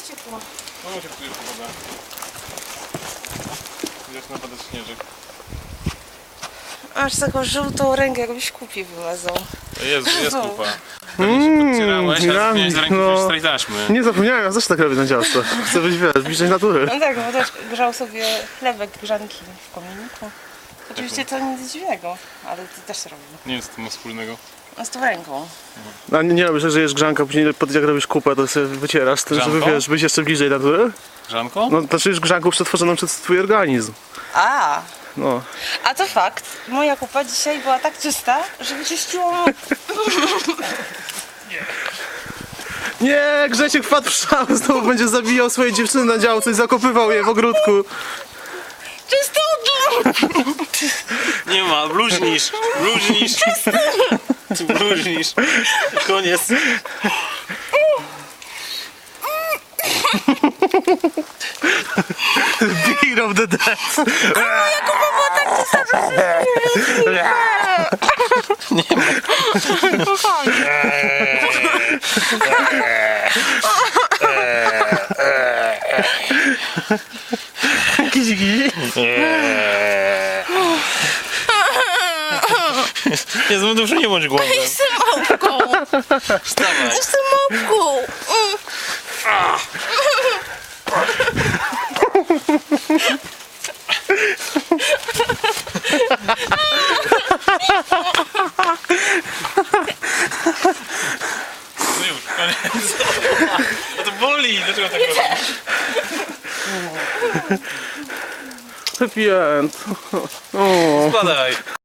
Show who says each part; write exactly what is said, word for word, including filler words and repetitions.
Speaker 1: jest ciepło.
Speaker 2: No się czujesz pogoda. Zaczyna padać śnieżek.
Speaker 1: Masz taką żółtą rękę, jakbyś kupi wylazał.
Speaker 2: Jest, jest kupa.
Speaker 3: Mmm,
Speaker 2: Podcierałeś, a zapomniałeś z ręki
Speaker 3: no.
Speaker 2: wziąć strej taśmy.
Speaker 3: Nie zapomniałem, ja zawsze tak robię na działce. Chcę być, wiesz, bliżej natury.
Speaker 1: No tak, bo też grzał sobie chlebek grzanki w kominiku. Oczywiście to nic dziwnego, ale ty też to robił.
Speaker 2: Nie wiem, co to ma wspólnego.
Speaker 1: No z tą ręką.
Speaker 3: A nie, nie robisz tak, że jesz grzanka, później po- jak robisz kupę, to sobie wycierasz, tym, żeby
Speaker 2: Grzanką?
Speaker 3: wiesz, być jeszcze bliżej natury.
Speaker 2: Grzanko?
Speaker 3: No to czujesz grzanką przetworzoną przez twój organizm.
Speaker 1: A,
Speaker 3: No.
Speaker 1: a to fakt. Moja kupa dzisiaj była tak czysta, że wyczyściło mu...
Speaker 3: Nie, Grzesiek wpadł w szał, znowu będzie zabijał swoje dziewczyny na działce i zakopywał je w ogródku.
Speaker 1: Czystą
Speaker 2: Nie ma, bluźnisz, bluźnisz. Ty bluźnisz. Koniec.
Speaker 3: Beer of the dead. Kizi, kizi.
Speaker 2: Nie, z dużo nie bądź głodny.
Speaker 1: Jestem małpką!
Speaker 2: Wstawaj.
Speaker 1: Jestem małpką! Mm.
Speaker 2: No już, koniec. A to boli, dlaczego tak robisz?
Speaker 3: Happy end. O.
Speaker 2: Spadaj.